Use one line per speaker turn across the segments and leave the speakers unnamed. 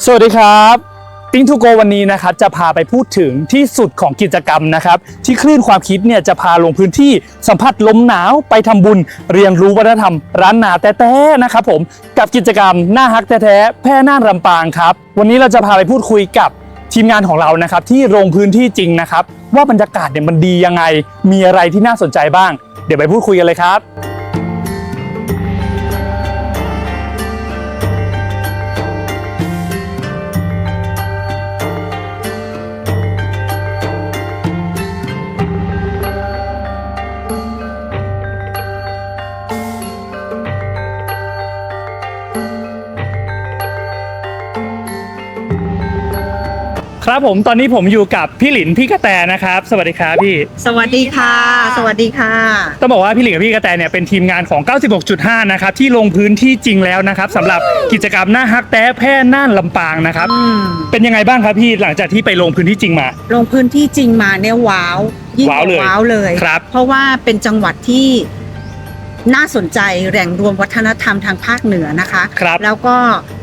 สวัสดีครับติ้งทูโกวันนี้นะครับจะพาไปพูดถึงที่สุดของกิจกรรมนะครับที่คลื่นความคิดเนี่ยจะพาลงพื้นที่สัมผัสลมหนาวไปทำบุญเรียนรู้วัฒนธรรมร้านนาแต้ๆนะครับผมกับกิจกรรมหน้าฮักแท้ๆแพร่น่านลำปางครับวันนี้เราจะพาไปพูดคุยกับทีมงานของเรานะครับที่ลงพื้นที่จริงนะครับว่าบรรยากาศเนี่ยมันดียังไงมีอะไรที่น่าสนใจบ้างเดี๋ยวไปพูดคุยกันเลยครับครับผมตอนนี้ผมอยู่กับพี่หลินพี่กระแตนะครับสวัสดีครับพี่
สวัสดีค่ะสวัสดีค่ะ
ต้องบอกว่าพี่หลินกับพี่กระแตเนี่ยเป็นทีมงานของ 96.5 นะครับที่ลงพื้นที่จริงแล้วนะครับสำหรับกิจกรรมหน้าฮักแท้แพร่น่านลำปางนะครับเป็นยังไงบ้างครับพี่หลังจากที่ไปลงพื้นที่จริงมา
ลงพื้นที่จริงมาเนี่ยว้าวยิ่งว้าวเลย
ครับ
เพราะว่าเป็นจังหวัดที่น่าสนใจแหล่งรวมวัฒนธรรมทางภาคเหนือนะคะ
ครับ
แล้วก็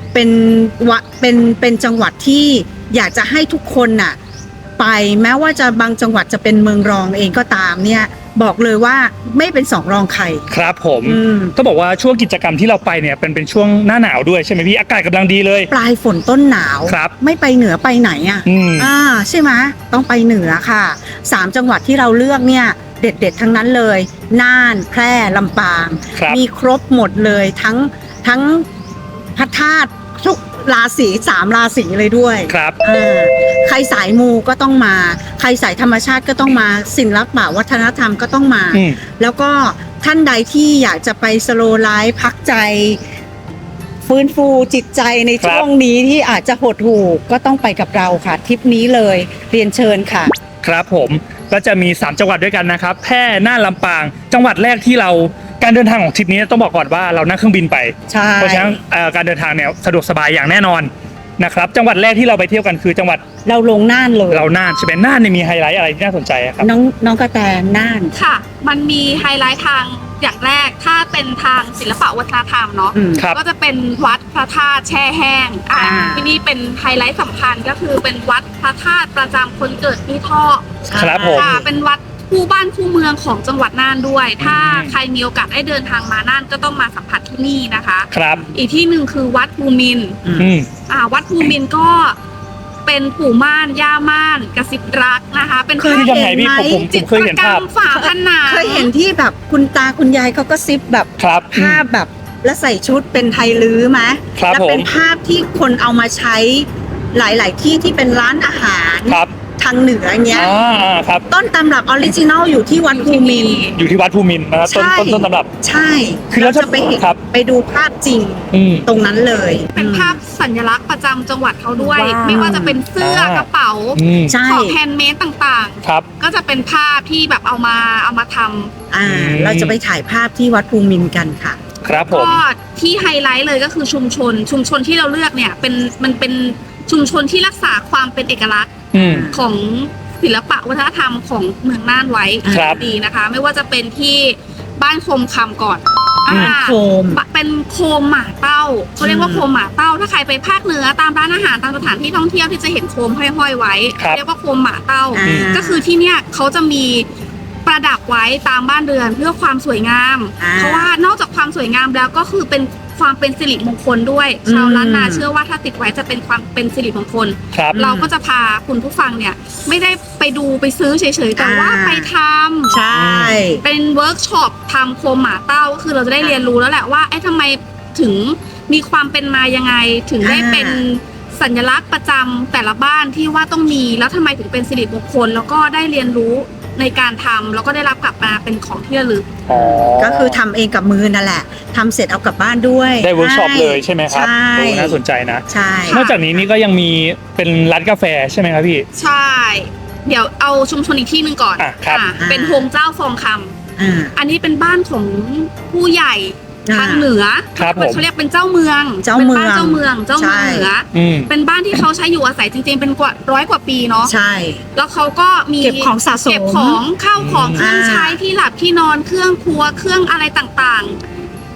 เป็นจังหวัดที่อยากจะให้ทุกคนน่ะไปแม้ว่าจะบางจังหวัดจะเป็นเมืองรองเองก็ตามเนี่ยบอกเลยว่าไม่เป็นสองรองใคร
ครับผมต้องบอกว่าช่วงกิจกรรมที่เราไปเนี่ยเป็นช่วงหน้าหนาวด้วยใช่ไหมพี่อากาศกำลังดีเลย
ปลายฝนต้นหนาว
ครับ
ไม่ไปเหนือไปไหนอ่ะใช่ไหมต้องไปเหนือค่ะ3จังหวัดที่เราเลือกเนี่ยเด็ดทั้งนั้นเลยน่านแพร่ลำปางมีครบหมดเลยทั้งพระธาตุทุกราศี3ราศีเลยด้วย
ครับ
ใครสายมูก็ต้องมาใครสายธรรมชาติก็ต้องมาศิลปะวัฒนธรรมก็ต้องมาแล้วก็ท่านใดที่อยากจะไปสโลว์ไลฟ์พักใจฟื้นฟูจิตใจในช่วงนี้ที่อาจจะหดหู่ก็ต้องไปกับเราค่ะทริปนี้เลยเรียนเชิญค่ะ
ครับผมก็จะมี3จังหวัดด้วยกันนะครับแพร่น่านลำปางจังหวัดแรกที่เราการเดินทางของทริปนี้ต้องบอกก่อนว่าเรานั่งเครื่องบินไปเพราะฉะนั้นการเดินทางเนี่ยสะดวกสบายอย่างแน่นอนนะครับจังหวัดแรกที่เราไปเที่ยวกันคือจังหวัด
เราลงน่านเลย
เราน่านใช่ไหมน่านเนี่ยมีไฮไลท์อะไรที่น่าสนใจครับ
น้องกระแตน่าน
ค่ะมันมีไฮไลท์ทางอย่างแรกถ้าเป็นทางศิลปะวัฒนธรรมเนาะก็จะเป็นวัดพระธาตุแช่แห้งที่นี่เป็นไฮไลท์สำคัญก็คือเป็นวัดพระธาตุประจำคนเกิดที่ท่อ
ครับผม
เป็นวัดคู่บ้านคู่เมืองของจังหวัดน่านด้วยถ้าใครมีโอกาสได้เดินทางมาน่านก็ต้องมาสัมผัสที่นี่นะคะ
ครับ
อีกที่หนึ่งคือวัดภูมินทร์วัดภูมินทร์ก็เป็นปู่ม่านย่าม่านกระซิบรักนะคะเป็น
คือยังไงพี่ผมเคยเห็นภาพ
ฝาผนัง
เคยเห็นที่แบบคุณตาคุณยายเขาก็ซิบแบบภาพแบบแล้วใส่ชุดเป็นไทยลื้อไหมแล้วเป็นภาพที่คนเอามาใช้หลายๆที่ที่เป็นร้านอาหารทางเหนือเงี้ยต้นตำรับออริจินัลอยู่ที่วัดภูมินทร์
อยู่ที่วัดภูมินทร์นะครับต้นตำรับ
ใช่คือเราจะไปเห็นไปดูภาพจริงตรงนั้นเลย
เป็นภาพสัญลักษณ์ประจำจังหวัดเขาด้วยไม่ว่าจะเป็นเสื้อกระเป๋าของแฮนด์เมดต่างๆก็จะเป็นภาพที่แบบเอามาทำ
เราจะไปถ่ายภาพที่วัดภูมินทร์กันค่ะ
ครับผม
ก็ที่ไฮไลท์เลยก็คือชุมชนที่เราเลือกเนี่ยมันเป็นชุมชนที่รักษาความเป็นเอกลักษณ์ของศิลปะวัฒนธรรมของเมืองน่านไว้ดีนะคะไม่ว่าจะเป็นที่บ้านโคมคำก่อนเป็นโคมหมาเต้าเขาเรียกว่าโคมหมาเต้าถ้าใครไปภาคเหนือตามร้านอาหารตามสถานที่ท่องเที่ยวที่จะเห็นโคมห้อยไว้เรียกว่าโคมหมาเต้าก็คือที่เนี่ยเขาจะมีประดับไว้ตามบ้านเรือนเพื่อความสวยงามเพราะว่านอกจากความสวยงามแล้วก็คือเป็นความเป็นสิริมงคลด้วยชาวล้านนาเชื่อว่าถ้าติดไว้จะเป็นความเป็นสิริมงคลเราก็จะพาคุณผู้ฟังเนี่ยไม่ได้ไปดูไปซื้อเฉยๆแต่ว่าไปทำ
ใช่
เป็นเวิร์กช็อปทำโคมหมาเต้าก็คือเราจะได้เรียนรู้แล้วแหละว่าทำไมถึงมีความเป็นมายังไงถึงได้เป็นสัญลักษณ์ประจำแต่ละบ้านที่ว่าต้องมีแล้วทำไมถึงเป็นสิริมงคลแล้วก็ได้เรียนรู้ในการทำแล้วก็ได้รับกลับมาเป็นของที่ระลึก
ก็คือทำเองกับมือนั่นแหละทำเสร็จเอากลับบ้านด้วย
ได้เวิร์กช็อปเลยใช่ไหมครับน่าสนใจนะ
ใช่
นอกจากนี้นี่ก็ยังมีเป็นร้านกาแฟใช่ไหมครับพี่
ใช่เดี๋ยวเอาชุมชนอีกที่หนึ่งก่อนเป็นโฮงเจ้าฟองคำอันนี้เป็นบ้านของผู้ใหญ่ทางเหนือเขาเรียกเป็นเจ้าเมืองเป็นบ้านเจ้าเมืองเหนือเป็นบ้านที่เขาใช้อยู่อาศัยจริงๆเป็นกว่า100 กว่าปีเนาะ
ใช่
แล้วเขาก็มี
เก็บของสะสม
เก็บของข้าวของเครื่องใช้ที่หลับที่นอนเครื่องครัวเครื่องอะไรต่างๆ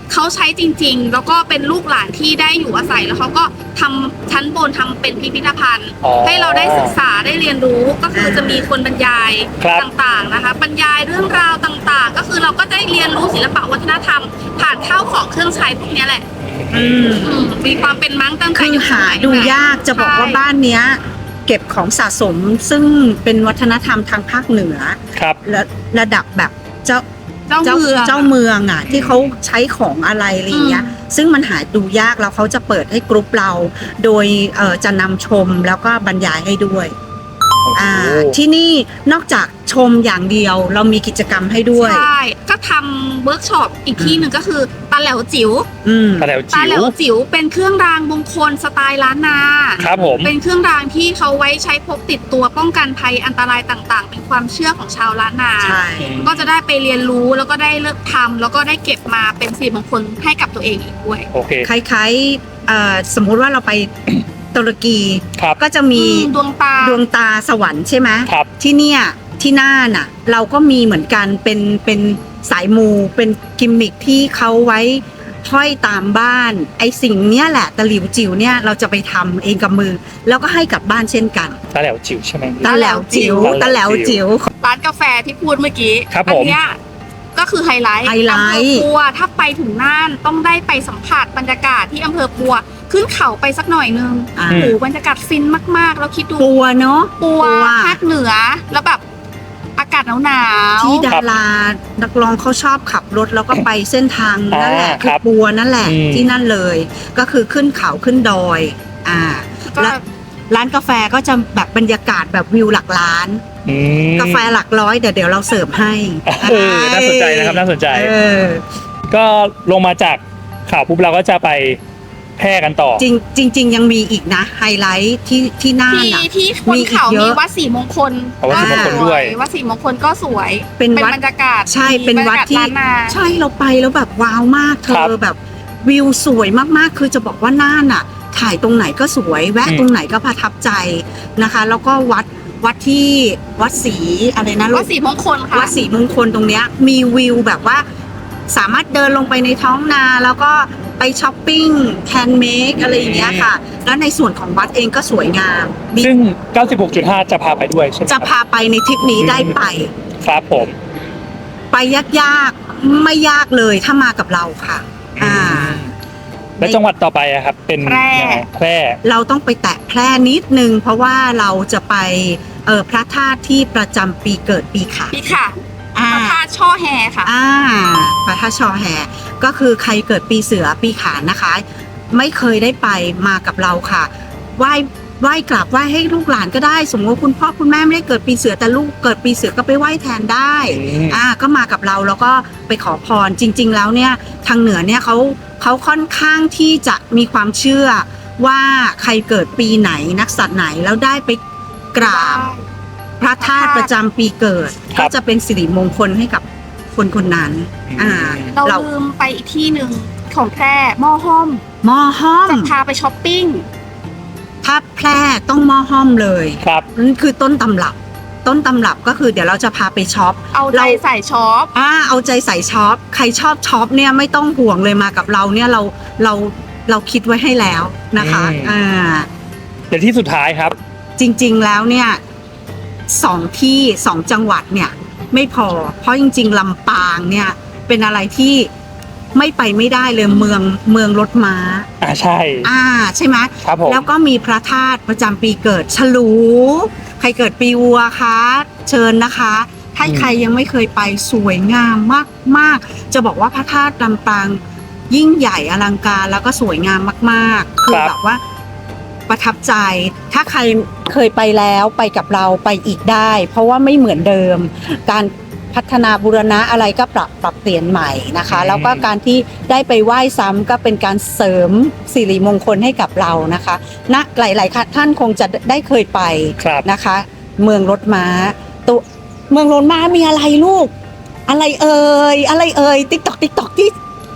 เขาใช้จริงๆ แล้วก็เป็นลูกหลานที่ได้อยู่อาศัยแล้วเขาก็ทำชั้นบนทำเป็นพิพิธภัณฑ์ ให้เราได้ศึกษาได้เรียนรู้ก็คือจะมีคนบรรยายต่างๆนะคะบรรยายเรื่องราวต่างๆ ก็คือเราก็ได้เรียนรู้ศิลปะวัฒนธรรมผ่านข้าวของเครื่องใช้พวกนี้แหละมีความเป็นมั้งตั้งแต่
คือ
อยู่
หาดูยากจะบอกว่าบ้านเนี้ยเก็บของสะสมซึ่งเป็นวัฒนธรรมทางภาคเหนือ
ครับ
และระดับแบบเจ้า
เจ้าเมือง
เจ้าเมืองอ่ะที่เขาใช้ของอะไรอะไรอย่างเงี้ยซึ่งมันหาดูยากแล้วเขาจะเปิดให้กรุ๊ปเราโดยจะนำชมแล้วก็บรรยายให้ด้วยที่นี่นอกจากชมอย่างเดียวเรามีกิจกรรมให้ด้วย
ใช่ก็ทำเวิร์กช็อปอีกที่หนึ่งก็คือตาแหลวจิ๋ว
ตาแหลว
ตา
จิ๋
แหล
ว
วจิ๋วเป็นเครื่องรางมงคลสไตล์ล้านนา
ครับผม
เป็นเครื่องรางที่เขาไว้ใช้พกติดตัวป้องกันภัยอันตรายต่างๆ เป็นความเชื่อของชาวล้านนา
ใช่
ก็จะได้ไปเรียนรู้แล้วก็ได้เลิกทำแล้วก็ได้เก็บมาเป็นสิริมงคลให้กับตัวเองอีกด้วย
โอเค
คล้ายๆสมมุติว่าเราไปตุรกี
ครับ
ก็จะมี
ดวงตา
ดวงตาสวรรค์ใช่ไหม
ครับ
ที่เนี่ยที่น่านน่ะเราก็มีเหมือนกันเป็นสายมูเป็นกิมมิคที่เขาไว้ห้อยตามบ้านไอสิ่งเนี้ยแหละตะหลิวจิ๋วเนี่ยเราจะไปทำเองกับมือ แล้วก็ให้กลับบ้านเช่นกัน
ตาแหลวจิ๋วใช่ไหม
ตะแหลวจิ๋วตะแหลวจิ๋ว
ร้านกาแฟที่พูดเมื่อกี้
ครับ
อั
ผม
เนี้ยก็คือไฮไลท์
ไฮไลท์
อำเภอปัวถ้าไปถึงน่านต้องได้ไปสัมผัสบรรยากาศที่อำเภอปัวขึ้นเขาไปสักหน่อยนึง
อ่า
โอ้โหบรรยากาศฟินมากๆแล้วคิดดู
ปัวเนาะ
ปัวภาคเหนือแล้วแบบอากาศหนาวๆ
ที่ดารานักร้องเขาชอบขับรถแล้วก็ไปเส้นทางนั่นแหละ
ค
คือ
รับ
ปัวนั่นแหละ
อืม
ที่นั่นเลย ก็คือขึ้นเขาขึ้นดอย
ก็
แล้วร้านกาแฟก็จะแบบบรรยากาศแบบวิวหลักล้าน
อืม
กาแฟหลักร้อยเดี๋ยวเราเสิร์ฟให้
น่าสนใจนะครับน่าสนใจ
อ
ก็ลงมาจากข่าวปุ๊บเราก็จะไปแพร่กันต่อ
จริงยังมีอีกนะไฮไลท์ที่น่านอ่ะ
ที่บนเขา
มีอีกเย
มี
อะ
วัดศรีมงคล
วัดศรีมงคลด้วย
วัดศรีมงคลก็สวย
เป็นวัด
บรรยากาศ
ใช่เป็นวัด
บรรยากาศ
ที่
ล้านนา
ใช่เราไปแล้วแบบว้าวมากเธ
ครับ
อแบบวิวสวยมากๆ คือจะบอกว่าน่านอ่ะ ถ่ายตรงไหนก็สวยแวะตรงไหนก็ประทับใจนะคะ แล้วก็วัดที่วัดศรีอะไรนะลู
วัด
ก
ศรีมงคลค่ะ
วัดศรีมงคลตรงเนี้ยมีวิวแบบว่าสามารถเดินลงไปในท้องนาแล้วก็ไปช้อปปิ้งแฮนด์เมดอะไรอย่างเงี้ยค่ะ แล้วในส่วนของวัดเองก็สวยงามมี
ซึ่ง 96.5 จะพาไปด้วยใช่ไหมค
จะ
รับ
พาไปในทริปนี้ได้ไป
ครับผม
ไปยากๆไม่ยากเลยถ้ามากับเราค่ะ
และจังหวัดต่อไปอะครับ เป็น
แพร่
ยังไงแพร่
เราต้องไปแตะแพร่นิดนึงเพราะว่าเราจะไปพระธาตุที่ประจำปีเกิดปีขาน
พี่ค่ะ
อ่า
พระธาตุช่อแฮค่ะ
พระธาตุชอแฮก็คือใครเกิดปีเสือปีขานนะคะ ไม่เคยได้ไปมากับเราค่ะไหว้กราบไหว้ให้ลูกหลานก็ได้ สมมติว่าคุณพ่อคุณแม่ไม่ได้เกิดปีเสือแต่ลูกเกิดปีเสือก็ไปไหว้แทนได้ ก็มากับเราแล้วก็ไปขอพรจริง ๆ แล้วเนี่ยทางเหนือเนี่ยเขาค่อนข้างที่จะมีความเชื่อว่าใครเกิดปีไหนนักสัตว์ไหนแล้วได้ไปกราบพระธาตุประจำปีเกิด
ครั
ก็
บ
จะเป็นสิริมงคลให้กับคนคนนั้น
เรา
เรา
ลืมไปอีกที่หนึ่งของแพร่หม้อห้อม
หม้อห้อม
จะพาไปช้อปปิ้ง
ถ้าแพร่ต้องหม้อห้อมเลย
ครับ
นั่นคือต้นตำรับก็คือเดี๋ยวเราจะพาไปช็อป
เอาใจใส่ช็อป
เอาใจใส่ช็อปใครชอบช็อปเนี่ยไม่ต้องห่วงเลยมากับเราเนี่ยเราคิดไว้ให้แล้วนะคะ
เดี๋ยวที่สุดท้ายครับ
จริงๆแล้วเนี่ยสองจังหวัดเนี่ยไม่พอเพราะจริงๆลำปางเนี่ยเป็นอะไรที่ไม่ไปไม่ได้เลยเมืองรถม้า
ใช่
ใช่ไหม
ครับผม
แล้วก็มีพระธาตุประจำปีเกิดฉลูใครเกิดปีวัวคะเชิญนะคะถ้าใครยังไม่เคยไปสวยงามมากๆจะบอกว่าพระธาตุลำปางยิ่งใหญ่อลังการแล้วก็สวยงามมากๆคือแบบว่าประทับใจถ้าใครเคยไปแล้วไปกับเราไปอีกได้ เพราะว่าไม่เหมือนเดิม การพัฒนาบูรณะอะไรก็ปรับเปลี่ยนใหม่นะคะแล้วก็การที่ได้ไปไหว้ซ้ำก็เป็นการเสริมสิริมงคลให้กับเรานะคะหลายๆท่านคงจะได้เคยไปนะคะ เมืองรถม้าตัวเมืองรถม้ามีอะไรลูก อะไรเอ่ยติ๊กตอกที่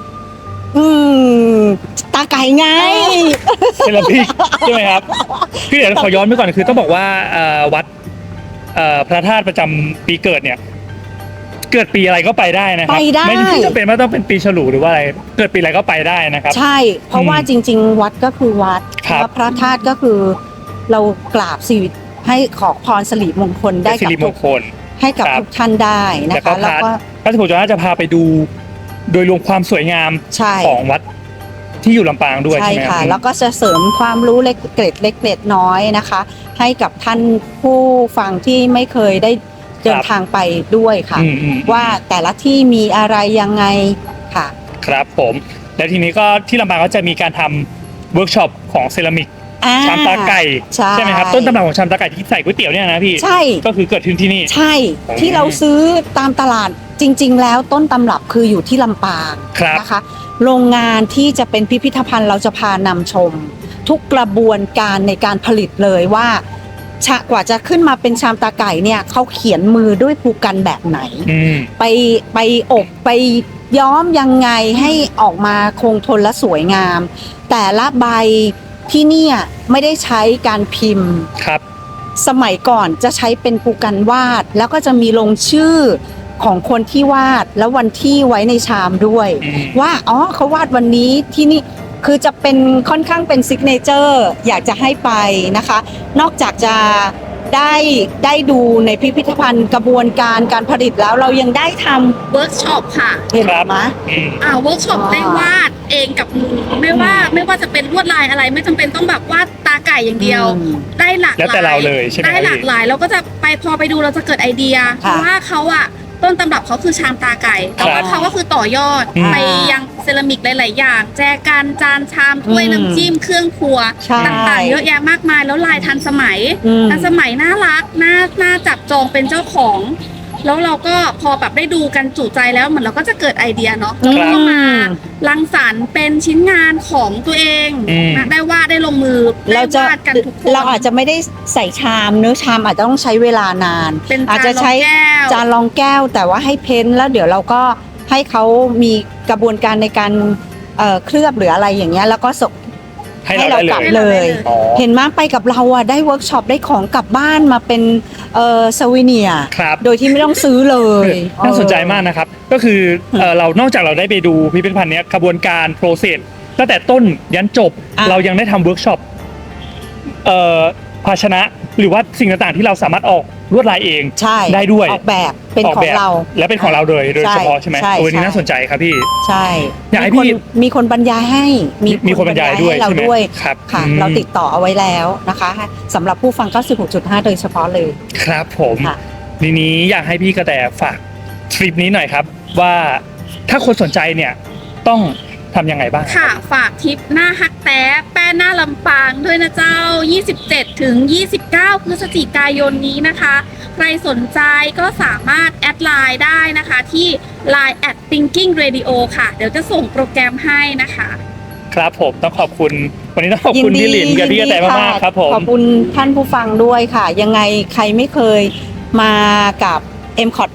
ตาไก่ไง
เป็นละพี่ใช่ไหมครับคือเดี๋ยวขอย้อนไปก่อนคือต้องบอกว่าวัดพระธาตุประจำปีเกิดเนี่ยเกิดปีอะไรก็ไปได้นะครับ
ไปได้
ไม่จำเป็นว่าต้องเป็นปีฉลูหรือว่าอะไรเกิดปีอะไรก็ไปได้นะครับ
ใช่ เพราะว่าจริง ๆ วัดก็คือวัด
ครับ
แล้วพระธาตุก็คือเรากราบสิริให้ขอพรสิริมงคลได้
สิ
กับ
ริม
ทุ
ง
ก
คล
ให้กับ
ครับ
ทุกท่านได้นะ
แล้วก็
คะแล้วก็
พระสมุทรจาจะพาไปดูโดยรวมความสวยงาม
ใช่
ของวัดที่อยู่ลำปางด้วย
ใช่
ใช่ไหม
ค่ะ
รับ
แล้วก็จะเสริมความรู้เล็กเกร็ดเล็กเกร็ดน้อยนะคะ ให้กับท่านผู้ฟังที่ไม่เคยได้เดินทางไปด้วยค่ะ
อืม
ว่าแต่ละที่มีอะไรยังไงค่ะ
ครับผมแล้วทีนี้ก็ที่ลำปางก็จะมีการทำเวิร์กช็อปของเซรามิก ชามตาไก่
ใช่
ไหมครับต้นตำรับของชามตาไก่ที่ใส่ก๋วยเตี๋ยวเนี่ยนะพี่
ใช่
ก็คือเกิดขึ้นที่นี่
ใช่ที่เราซื้อตามตลาดจริง ๆ แล้วต้นตำรับคืออยู่ที่ลำปาง
ครับ
นะคะ โรงงานที่จะเป็นพิพิธภัณฑ์เราจะพานำชม ทุกกระบวนการในการผลิตเลยว่ากว่าจะขึ้นมาเป็นชามตาไก่เนี่ยเขาเขียนมือด้วยภูกันแบบไหน
อืม
ไปอบไปย้อมยังไงให้ออกมาคงทนและสวยงาม แต่ละใบที่เนี่ยไม่ได้ใช้การพิมพ์
ครับ
สมัยก่อนจะใช้เป็นภูกันวาด แล้วก็จะมีลงชื่อของคนที่วาดแล้ววันที่ไว้ในชามด้วย
อืม
ว่าอ๋อเขาวาดวันนี้ที่นี่คือจะเป็นค่อนข้างเป็นซิกเนเจอร์อยากจะให้ไปนะคะ นอกจากจะได้ดูในพิพิธภัณฑ์กระบวนการการผลิตแล้วเรายังได้ท
เวิร์กช็อปค่ะ
ำเห็นไหม
อืม
เวิร์กช็อป
อ๋อ
ได้วาดเองกับมือไม่ว่าจะเป็นลวดลายอะไร ไม่จำเป็นต้องแบบวาดตาไก่อย่างเดียว ได้หลากห
แล้ว
ลา
แต่เรา
ย
เลยใช่ไหม
ได้หลากหลายเราก็จะพอไปดูเราจะเกิดไอเดียเพ
ค่ะ
ราะว่าเขาอะต้นตำรับเขาคือชามตาไก่แต่ว่าเขาก็คือต่อยอด
อืม
ไปยังเซรามิกหลาย ๆ อย่าง แจกันจานชามถ้วย
อืม
น้ำจิ้มเครื่องครัว
ใช่
ต่างๆเยอะแยะมากมายแล้วลายทันสมัย
อืม
ทันสมัยน่ารักน่าจับจองเป็นเจ้าของ แล้วเราก็พอแบบได้ดูกันจุใจแล้วเหมือนเราก็จะเกิดไอเดียเนาะแล้วก็มารังสรรค์เป็นชิ้นงานของตัวเอง
อืม
นะได้วาดได้ลงมือได้
เราจะ
วาดกันทุกคน
เราอาจจะไม่ได้ใส่ชามเนื้อะชามอาจจะต้องใช้เวลานาน
เป็น
อาจ
จาน
จะ
รอง
ใช้
แก้ว
จานรองแก้วแต่ว่าให้เพ้นท์แล้วเดี๋ยวเราก็ให้เขามีกระบวนการในการเคลือบหรืออะไรอย่างเงี้ยแล้วก็ส่ง
ให้เราได้
ให้เรากลับ
เลย
เลย
อ๋อ
เห็นมั้ยไปกับเราอ่ะได้เวิร์กช็อปได้ของกลับบ้านมาเป็นสวีเนียร์
ครับ
โดยที่ไม่ต้องซื้อเลย
น่าสนใจมากนะครับ ก็คือเรานอกจากเราได้ไปดูพิพิธภัณฑ์เนี้ยกระบวนการโปรเซสตั้งแต่ต้นยันจบ
ะ
เรายังได้ทำเวิร์กช็อปภาชนะหรือว่าสิ่งต่างๆที่เราสามารถออกลวดลายเอง
ใช่
ได้ด้วย
ออกแบบเป็น
ออก
ของ
แบบ
เรา
และเป็นของเราโดยเฉพาะใช่ไหม
ใช่
โอ้ยนี่
ใช่
น่าสนใจครับพี่
ใช่
อยากให้
มี
พี่
มีคนบรรยายให้
มีคนบรรยายด้วย
ให้เรา
ใช่ไหม
ด้วย
ครับ
ค่ะ
อืม
เราติดต่อเอาไว้แล้วนะคะสำหรับผู้ฟัง 96.5 โดยเฉพาะเลย
ครับผม
ค่ะ
ทีนี้อยากให้พี่กระแตฝากทริปนี้หน่อยครับ ว่าถ้าคนสนใจเนี่ยต้องทำยังไงบ้าง
ค่ะฝากทริปหน้าฮักแต้แป้หน้าลำปางด้วยนะเจ้า 27 ถึง 29 พฤศจิกายนนี้นะคะ ใครสนใจก็สามารถแอดไลน์ได้นะคะที่ Line @thinking radio ค่ะ เดี๋ยวจะส่งโปรแกรมให้นะคะ
ครับผมต้องขอบคุณวันนี้ต้องขอบคุณพี่หลินกับพี่กระแตมากๆครับผม
ขอบคุณท่านผู้ฟังด้วยค่ะ ยังไงใครไม่เคยมากับ MCOT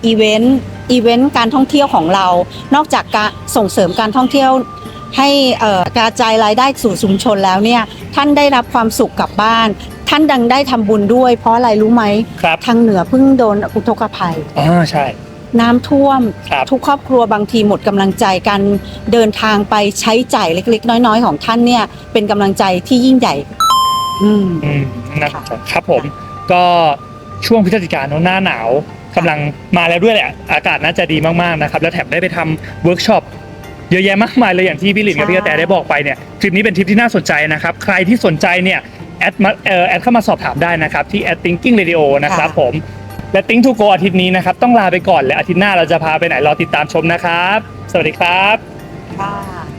Event การท่องเที่ยวของเรา นอกจากการส่งเสริมการท่องเที่ยวให้กระจายรายได้สู่ชุมชนแล้วเนี่ยท่านได้รับความสุขกลับบ้าน ท่านดังได้ทำบุญด้วย เพราะอะไรรู้ไหม
ครับ
ทางเหนือเพิ่งโดนอุทกภัย
ใช่
น้ำท่วม
ครับ
ทุกครอบครัวบางทีหมดกำลังใจการเดินทางไปใช้จ่ายเล็กๆ น้อยๆ ของท่านเนี่ยเป็นกำลังใจที่ยิ่งใหญ่
อืมนะครับผมก็ช่วงพฤศจิกายนหน้าหนาวกำลังมาแล้วด้วยแหละอากาศน่าจะดีมากๆนะครับแล้วแถมได้ไปทำเวิร์กช็อปเยอะแยะมากมายเลยอย่างที่พี่หลินกับพี่กระแตได้บอกไปเนี่ยทริปนี้เป็นทริปที่น่าสนใจนะครับใครที่สนใจเนี่ยแอดเข้ามาสอบถามได้นะครับที่ @thinking radio นะครับผมและ Think to Go อาทิตย์นี้นะครับต้องลาไปก่อนและอาทิตย์หน้าเราจะพาไปไหนรอติดตามชมนะครับสวัสดีครับ
ค่ะ